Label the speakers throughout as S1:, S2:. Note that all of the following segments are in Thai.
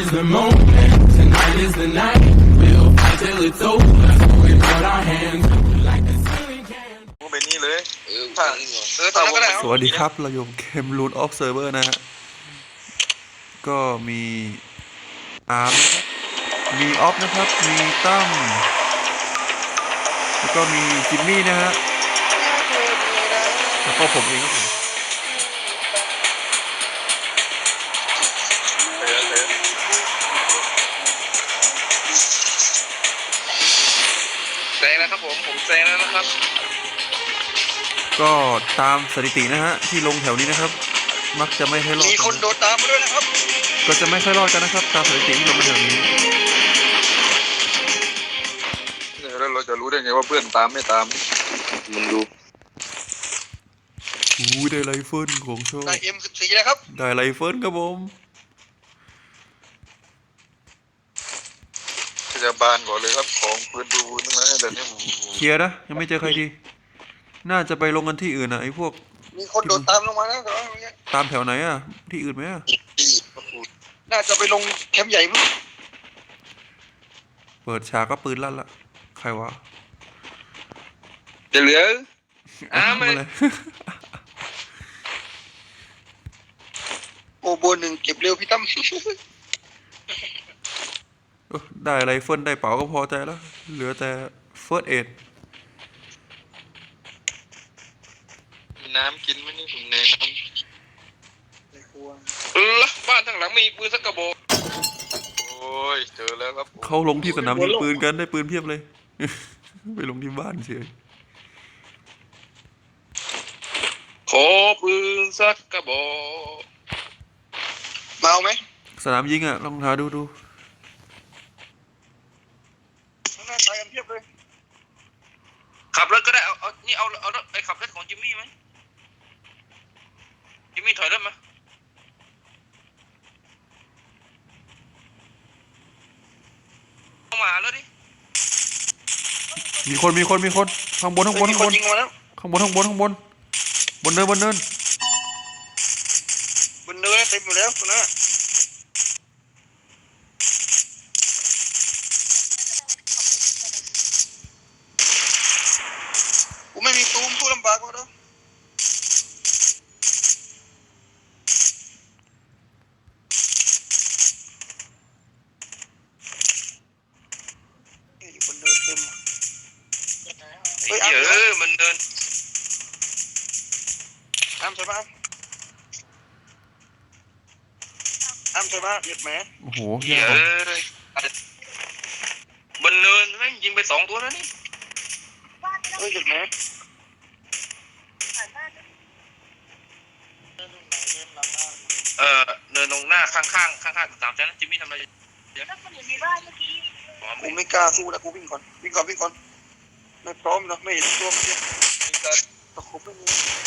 S1: is the moment, tonight is the night. We'll fight till it's over. We put our hands up like the ceiling can.
S2: เป็นนี่เลย
S3: ตอนนั้นก็ได้
S4: สวัสดีครับเราอยู่เกม Root of Server นะฮะก็มีอาร์มนะครับมีออฟนะครับมีตั้มแล้วก็มีจิมมี่นะฮะแล้วก็ผมเองครับผม
S3: แซงแล้วครับผมแซงแล้วนะครับ
S4: ก็ตามสถิตินะฮะที่ลงแถวนี้นะครับมักจะไม่ค่อยรอด
S3: มีคนโดดตามมาด้วยนะครับ
S4: ก็จะไม่ค่อยรอดกันนะครับตามสถิติที่ลงมาแถวนี้
S2: แล้วเราจะรู้ได้ไงว่าเพื่อนตามไม่ตามมันดู
S4: ได้ไรเฟิลของโชว์
S3: ได้ M14 นะครับ
S4: ได้ไรเฟิลครับผม
S2: จะบานก่อนเลยครับของปืนดูนั่นแหละแต่นี่
S4: เคลียร์นะยังไม่เจอใครดีน่าจะไปลงกันที่อื่นนะไอ้พวก
S3: มีคนโดดตามลงมาแล้ว
S4: ตามแถวไหนอ่ะที่อื่นไหมอ่ะ
S3: น่าจะไปลงแคมป์ใหญ่มั้ง
S4: เปิดฉากก็ปืนลั่นละใครวะ
S2: จะเหลือ
S4: มาเลย
S3: โอโบหนึ่งเก็บเร็วพี่ตั้ม
S4: ได้ไรเฟิลได้เป๋าก็พอใจแล้วเหลือแต่เฟิร์สเอด
S2: มีน้ำกินไหมนี่ผมในน้ำ
S3: บ้านทางหลังมีปืนสักกระบอก
S2: โอ้ยเจอแล้วครับ
S4: เขาลงที่สนามยิงปืนกันได้ปืนเพียบเลยไปลงที่บ้านเฉย
S3: ขอปืนสักกระบอกมาเอาไหม
S4: สนามยิงอ่ะลองหาดู
S3: หน้าตายกันเพียบเลยขับรถก็ได้เอานี่เอารถไปขับรถของจิมมี่ไหมจิมมี่ถอยรถมาเข้ามาแล้วดิ
S4: มีคนข้างบนบนเนินบนเนินกู
S3: เต็มอยู่แล้วคนนั้นกูไม่มีตูมพูดลำบากกว่าเด้อคนเดินเต็มเฮ้ยมันเดินอ้ำใช่ปะอ้ำใช่ปะหยุดไหม
S4: โอ้โห
S3: บนเนินแม่งยิงไป2 ตัวแล้วนี่หยุดไหมเนินตรงหน้าข้าง3 ชั้นจิมมี่ทำอะไรกูไม่กล้าสู้แล้วกูวิ่งก่อนไม่พร้อมเนาะไม่เห็นตัวมันเนี่ยตะคุบไม่มี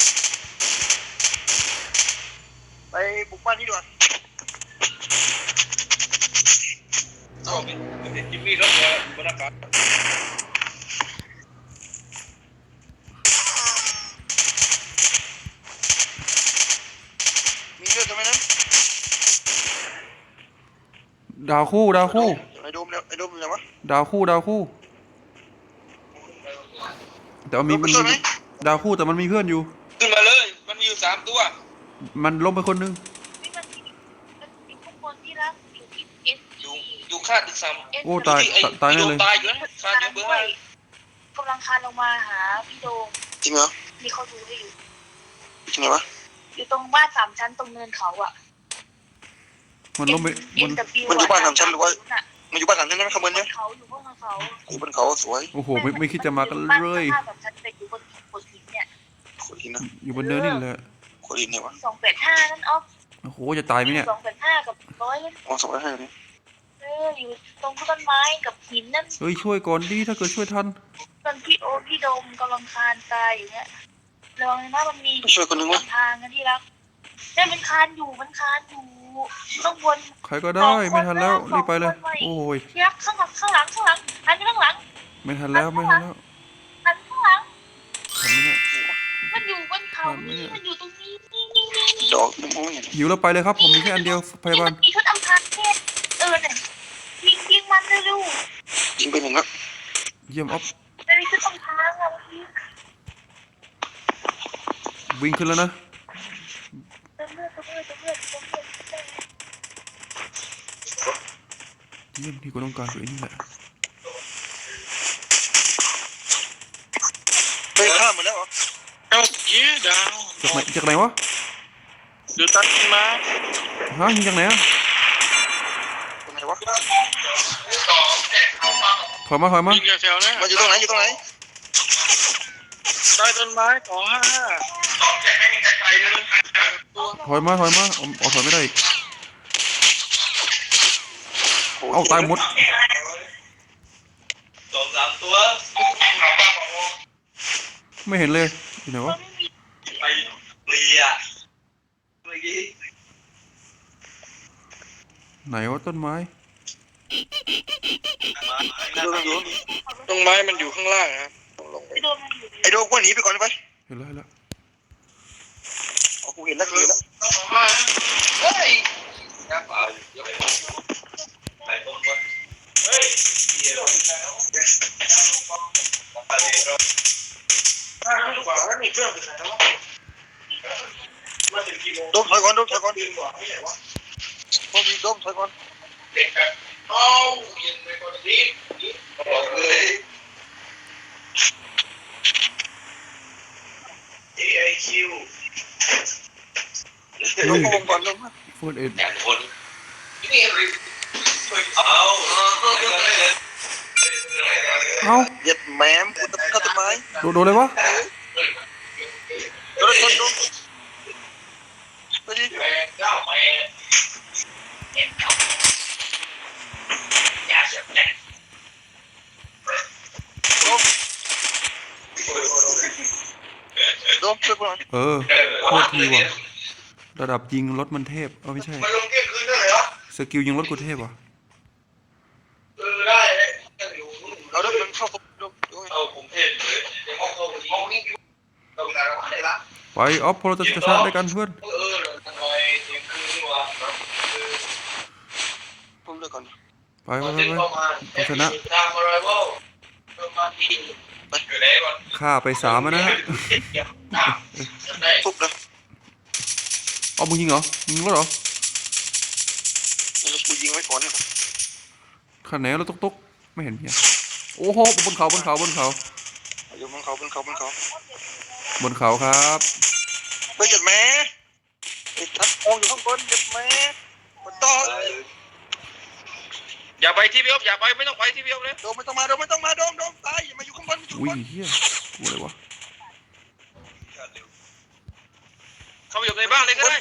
S3: ไปบุกบ้านนี้ด่วนจิมมี่รถบนอากาศมีเรื่องทำไมนั้น
S4: ดาวคู่
S3: ไอ้โดมอยู่ไหนวะ
S4: ดาวคู่แต่มันมีดาวคู่แต่มันมีเพื่อนอยู่
S3: ขึ้นมาเลยมันมีอยู่3 ตัว
S4: มันล้มไปคนนึง
S3: อยู่คาดอีก3
S4: โอ้ตายแน่เลย
S3: ตายอยู่นะคาดอยู่เบื้องล่าง
S5: กำลังคานลงมาหาพี่โดม
S3: จริงเหรอ
S5: มีเขาดูให้อยู่
S3: จริงเหรอวะ
S5: อยู่ตรงบ้าน3 ชั้นตรงเนินเขาอ่ะ
S4: มันล้มไป
S3: มันอยู่บ้าน3 ชั้นหรือว่ามันอยู่บ้าน3 ชั้นใช่ไหมขบวนเนี่ย
S5: เขาอยู่บนเขา
S3: อยู่บนเขาสวย
S4: โอ้โหไม่คิดจะมากันเลย
S5: อยู่บนโขดหินเนี่ย
S4: อยู่บนเนินนี่แหละ
S3: โขดหินเนี่ยวะ
S5: 285นั่นอ๊อฟ
S4: โอ้โหจะตายไหมเนี่ย
S5: 285กับ100
S3: อ๋อ285เนี่ย
S5: อยู่ตรงต้นไม้กับหินนั่น
S4: เฮ้ยช่วยก่อนดิถ้าเกิดช่วยทัน
S5: ตอนพี่โดมกำลังคานตายอย่างเงี้ยระวังนะมันมี
S3: ช่วยคนนึงวะ
S5: ทางนะที่รักได้มันคานอยู่ต้องวน
S4: ใครก็ได้ไม่ทันแล้วรีบไปเลยโอ้ย
S5: ที่รักข้างหลังหันไปข้างหลัง
S4: ไม่ทันแล้ว
S5: หันข้างหลังทันไหม
S4: เนี่ย
S5: มันอยู่บนเขามันอยู่ตรงนี้
S3: ดอกมองไม่เห็น
S4: หิวแล้วไปเลยครับผมมีแค่อันเดียวพยาบาล
S5: มีชุดอำพรางเพศ
S3: ยิงไปหนึ่งครับ
S4: เยี่ยมออฟ
S5: ไม่ได้ขึ้นตรงทางอะเมื่อกี้
S4: วิ่งขึ้นแล้วนะ
S5: เติมเลือดเติมเลือดเติมเลือดเติมเลือด
S4: เยี่ยมที่กูต้องการคือไอ้นี่แหละ
S3: เฮ้ยข้ามหมดแล้วเหรอเอ้าเย้ดาว
S4: จากไหนวะ
S3: ดูตัดขึ้นมา
S4: ฮะยิงจากไหนอะ
S3: ตรงไหนวะ
S4: ถอยมา
S3: ยิงแถวๆนะมันอยู่ตรงไหนอยู่ตรงไหนใต้ต้นไม้255
S4: ถอยมาอ๋อถอยไม่ได้อีกเอ้าตายหมด
S3: 2-3 ตัว
S4: ไม่เห็นเลยอยู่ไหนวะ
S3: ไปเปลี่ยเมื่อกี้
S4: ไหนวะต้นไม้
S3: ตรงไม้มันอยู่ข้างล่างครับ
S5: ไปโดนมันอยู่
S3: ไอ้โดกว่าหนีไปก่อนไป
S4: เห็นแล้ว
S3: กูเห็นแล้วเฮ้ยน้ำเปล่าไปตรงวะเฮ้ยโดมถอยก่อนพวกมีโดมถอยก่อนเอาเย็นไปก่อนดิบอกเลยAIQ ลงวงก่อนลงมา
S4: โฟนเอ็ด
S3: แต่คนนี่เอา
S4: เอ้า
S3: เหยียดแหมมกูตัดต้นไม้
S4: โดนเลยวะ
S3: โดนไปดิโดมช่วยกูหน่อย
S4: เออโคตรทีว่ะระดับยิงรถมันเทพเอาไม่ใช่
S3: มาลงเที่ยงคืนได้เหรอ
S4: สกิลยิงรถกูเทพว่ะ
S3: ได้เราเริ่มมันเข้าเอาผมเทศเลยเข้าห้องนี้เราได้ละ
S4: ไปออฟพอเราจะชนะด้วยกันเพื่อน
S3: ทำไมเที่ยงคืนวะผมเลิกก่อน
S4: ไปต้องชนะฆ่าไป3แล้วนะฮะ
S3: ฟุบนะ
S4: เอามึงยิงเหรอยิงรถเหรอ
S3: กูยิงไว้ก่อนเนี่ย
S4: ขันไหนรถตุ๊กไม่เห็นเนี่ยโอ้โหบนเขา
S3: อยู่บนเขา
S4: ครับ
S3: เฮ้ยหยุดแม่ไอ้ทัดมองอยู่ข้างบนหยุดแม่มันต่ออย่าไปที่พี่อ๊อฟอย่าไปไม่ต้องไปที่พี่อ๊อฟเลยโดมไม่ต้องมาโดมตายอย่ามาอยู่ข้างบนอยู่
S4: อุ้ย
S3: ข้างบน
S4: เฮียกูเลยวะ
S3: เข้าไปอยู่ในบ้านเลยก็ได้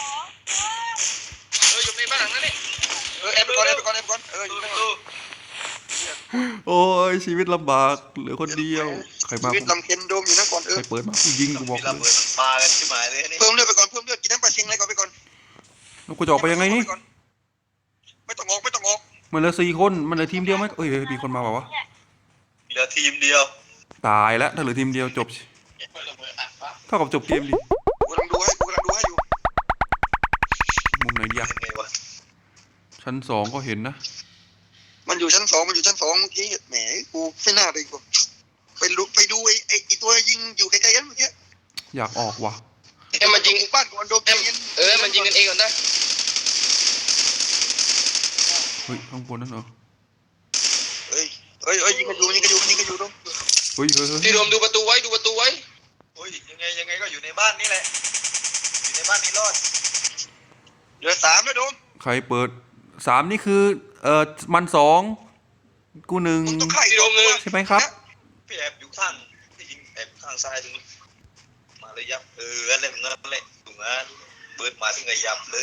S3: อยู่ในบ้านหลังนั้นนี่แอบไปก่อนอยู่ในตู้
S4: โอ้ยชีวิตลำบากเหลือคนเดียวใครมา
S3: ชีวิตลำเค็นโดมอยู่นั่นก่อน
S4: ใครเปิดมากูยิงกูบอกเลย
S3: มากันใช่ไหมเลยนี่เพิ่มเลือดไปก่อนกินน้ำปลาชิงอะไรก่อนไปก่อน
S4: แล้วกูจะออกไปยังไงนี่
S3: ไม่ต้องออก
S4: มันเหลือ4 คนมันเหลือทีมเดียวไหมเอ้ยมีคนมาเปล่าวะ
S3: เหลือทีมเดียว
S4: ตายแล้วถ้าเหลือทีมเดียวจบเท่ากับจบเกมดิ
S3: กูกำลังดูให้อยู่
S4: มุมไหนดีอะชั้น2ก็เห็นนะ
S3: มันอยู่ชั้น 2เมื่อกี้แหมกูไม่น่าเลยกูไปดูไอ้ตัวยิงอยู่ไกลๆกันเมื่อกี้
S4: อยากออกว่ะ
S3: มันยิงบ้านก่อนโดมมันยิงกันเองก่อนได้
S4: เฮ้ยข้างบนนั่นเหรอ
S3: เฮ้ยยิงกันอยู่โดม
S4: เฮ้ย
S3: ที่โดมดูประตูไว้โอ้ยยังไงก็อยู่ในบ้านนี่แหละอยู่ในบ้านนี่รอดเหลือ3แล้วโดม
S4: ใครเปิด3นี่คือมัน2กู1
S3: ที่โดมเลย
S4: ใช่ไหมครับ
S3: พี่แอบอยู่ข้างที่ยิงแอบข้างซ้ายตรงนี้มาเลยยับอะไรแบบนั้นเลยถูกงานเปิดมาที่ไงยับเลย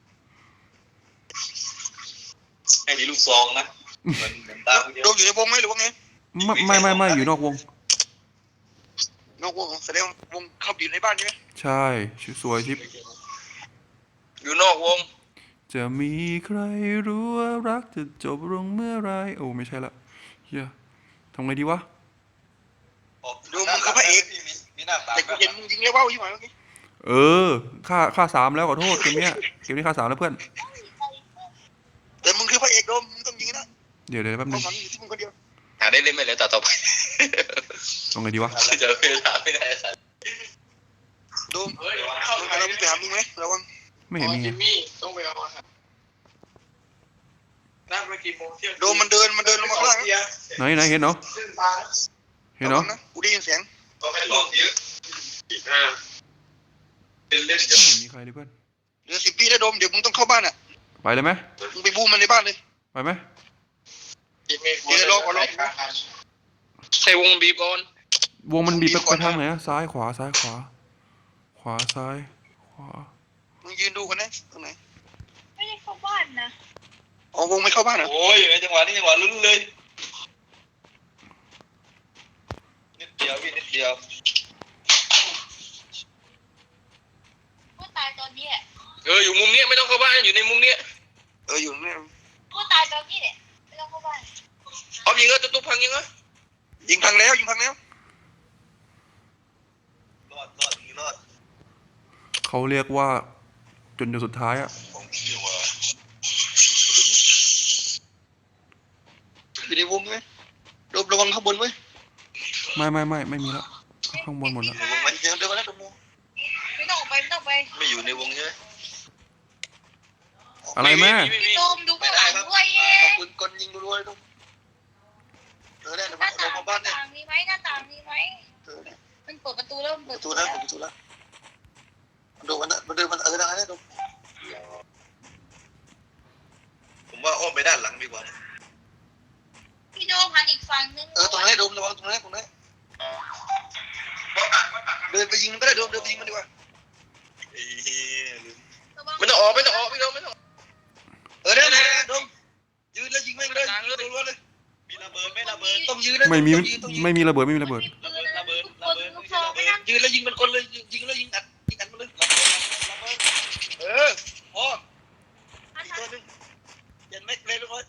S3: ให้มีลูกซองนะเหมือนตาโดมอยู่ในวงไหมหรือว่าไง
S4: ไม่อยู่นอกวง
S3: นอกวงแสดงวงเข้าอยู่ในบ้านใช่ไหม
S4: ใช่สวยชิป
S3: อยู่นอกวง
S4: จะมีใครรู้ว่ารักจะจบลงเมื่อไรโอ้ไม่ใช่ละเฮียทำไงดีวะ
S3: ดูมึงคือพระเอกแต่กูเห็นมึงยิงแล้วว่าวอยู่ไหมเมื่อกี้
S4: ค่า3แล้วขอโทษเกมนี้ค่า3แล้วเพื่อน
S3: แต่มึงคือพระเอกโดมมึงต้องยิงนะ
S4: เดี๋ยวแป๊บนึ
S3: เอา
S4: ง
S3: มันอยู่ที่มึงคนเดียว
S2: หาได้เล่นไหมแล้วต่อไป
S4: ตรงไงดีวะ
S2: เจอเวลาไม่ได้สัตว์
S3: โดมเราไปหามึงไหมระวัง
S4: ไม่เห็นมีไง
S6: ต้องไปเอาอาหารนั่งไปกี่โมงเที่ยง
S3: โดมมันเดินลงมาข้างล่างนะ
S4: ไหนเห็นเนาะ
S6: ขึ้นมา
S4: เห็นเนาะ
S3: ระวังนะกูได้ยินเสียง
S6: ก็ให้ลองเยอะเล่น
S4: ไม่เห็นมีใครเลยเพื่อน
S3: เหลือ10 วิแล้วโดมเดี๋ยวมึงต้องเข้าบ้านอ่ะ
S4: ไปเลยไหม
S3: มึงไปบูมมันในบ้านเลย
S4: ไปไหม
S2: ใส่วงบีบก่อน
S4: วงมันบีบไปทางไหนอะซ้ายขวาซ้ายขวา ขวาซ้ายขวา
S3: มึงยืนดูกันนะตรงไหน
S5: ไม่ได้เข้าบ้านนะ
S3: อ๋อวงไม่เข้าบ้านเหรอ
S6: โอ้ยไอ้จังหวะนี้จังหวะลุ้นเลยนิดเดียวพี่นิดเดียว
S5: กูตายตอนนี้แหละ
S2: อยู่มุมเนี้ยไม่ต้องเข้าบ้านอยู่ในมุมเนี้ย
S3: อยู่นี่
S5: กูตายตอนนี้แหละไม่ต้องเข้าบ้าน
S2: เอายิงก็ตุ๊บพังยิงก็
S3: ยิงพังแล้ว
S6: รอดนี่รอด
S4: เขาเรียกว่าจนสุดท้ายอะ
S6: ของพี่ว่ะ
S3: อยู่ในวงไหมโดมระวังข้างบนไว้
S4: ไม่มีแล้วข้างบนหมดแล้ว
S3: ในวงมันเดินมาแล้วโดม
S5: ไม่ต้องออกไปไม่ต้องไป
S6: ไม่อยู่ในวงใช่ไหม
S4: อะไรแม่
S5: พี่โดมดูข้างหลังด้วยเย้
S3: ปืนกลยิงรัวๆเลยโดมแน่เดี๋ยว
S5: หน้า
S3: เรา
S5: ต่าง
S3: เข้าบ้านเนี่ย
S5: มีไหมหน้าต่างมีไหม
S3: เนี่ย
S5: มันเปิดประตูแล้วมัน
S3: ป
S5: เปิด
S3: ระตูแล้วโดมมันเดินได้นะโดม
S6: ผมว่าอ้อมไปด้านหลังดีกว่า
S5: พี่โดมหันอีกฝั่งนึง
S3: ตรงนั้นโดมระวังตรงนั้นเดินไปยิงมันก็ได้โดมเดินไปยิงมันดีกว่า
S2: ไม่ต้องออกพี่น้องไม่ต้อง
S3: ได้โดมยืนแล้วยิงแม่งเลยรัวๆเลย
S6: มีระเบิดไม่ระเบิด
S3: ต้องยืนนะ
S4: ไม่มี
S3: ต้องยืน
S4: ไม่มีระเบิดไม่มีระเบิด
S5: ลูกซองไม่นั่ง
S3: ยืนแล้วยิงมันคนเลยยิงแล้วยิงอัดมันเลยพออีกตัวนึงยันไม่เลยทุกคน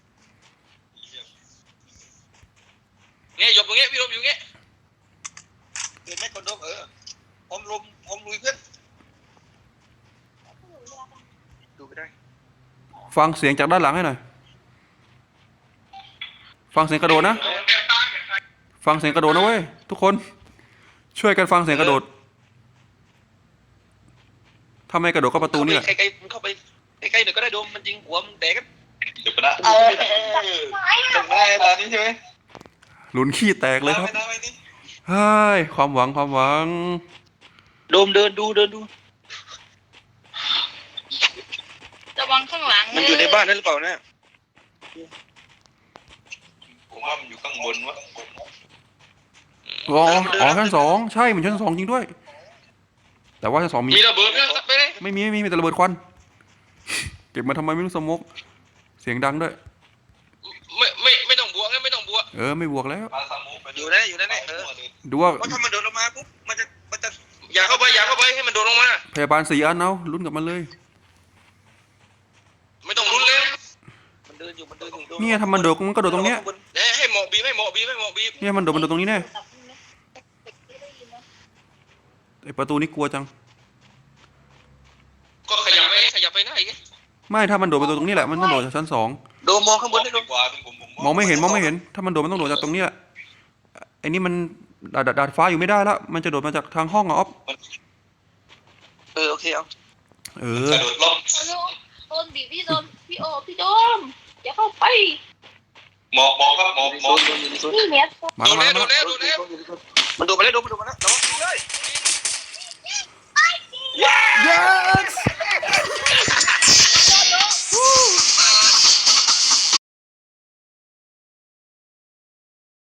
S2: เนี่ยหยบตรงเงี้ยพี่ลมอยู่เงี้ย
S3: เดินไม่คนโดมพร้อมลุยเพื่อนดูไปได้
S4: ฟังเสียงจากด้านหลังให้หน่อยฟังเสียงกระโดดนะฟังเสียงกระโดดนะเว้ยทุกคนช่วยกันฟังเสียงกระโดดถ้าไม่กระโดดก็ประตูนี่แหละ
S3: ใกล้ๆเข้าไปใกล้ๆหน่อยก็ได้โดมมันยิงหัวมึงแตกกัน
S6: เดี๋ยวปะนะ
S3: จำได้ตอนนี้ใช่ไหม
S4: หลุนขี้แตกเลยครับ
S6: ไม่นี่
S4: เฮ้ยความหวัง
S3: โดมเดินดู
S5: ระวังข้างหลัง
S3: มันอยู่ในบ้านนั่นหรือเปล่าเนี่ย
S6: ผมว่ามันอยู่ข้างบนวะ
S4: อ๋อชั้นสองใช่มันชั้นสองจริงด้วย แต่ว่าชั้นสองมี
S2: มีระเบิดไปเลย
S4: ไม่มีแต่ระเบิดควันเก็บมาทำไมไม่รู้สมกเสียงดังด้วย
S2: ไม่ต้องบวกไม่ต้องบวก
S4: ไม่บวกแล้ว
S6: ปลาสมูไป
S3: อยู่นั่นแหละ
S4: ดูว่า
S3: เพราะถ้ามันโดนลงมาปุ๊บมันจะ
S2: อย่าเข้าไปให้มันโดนลงมา
S4: พยาบาล4 อันเอาลุ้นกับมันเลย
S2: ไม่ต้องรุนเลย
S3: มันเดินอยู่
S4: เนี่ยถ้ามันโดดมันก็โดดตรงเนี้ย
S2: ให้หมอกบีบ
S4: เนี่ยมันโดดตรงนี้แน่ไอประตูนี้กลัวจัง
S2: ก็ขยับไปหน้าอีก
S4: ไม่ถ้ามันโดดไปตรงนี้แหละมันต้องโดดจากชั้นสอง
S3: โดมมองข้างบนได้โดม
S6: กว่าผม
S4: มองไม่เห็นถ้ามันโดดมันต้องโดดจากตรงนี้แหละไอ้นี่มันดาดฟ้าอยู่ไม่ได้แล้วมันจะโดดมาจากทางห้องอะอ๊อฟ
S3: โอเคเอา
S6: กระโดดล่ม
S5: โดนบีบพี่โดมพี่โอพี่โดมอย่าเข้าไป
S6: หมอกครับหมอก
S3: โดนอยู่ในโซน
S5: นี่เนี่ย
S4: มาแล้ว
S2: โดนแล้ว
S3: มันโดนไปแล้ว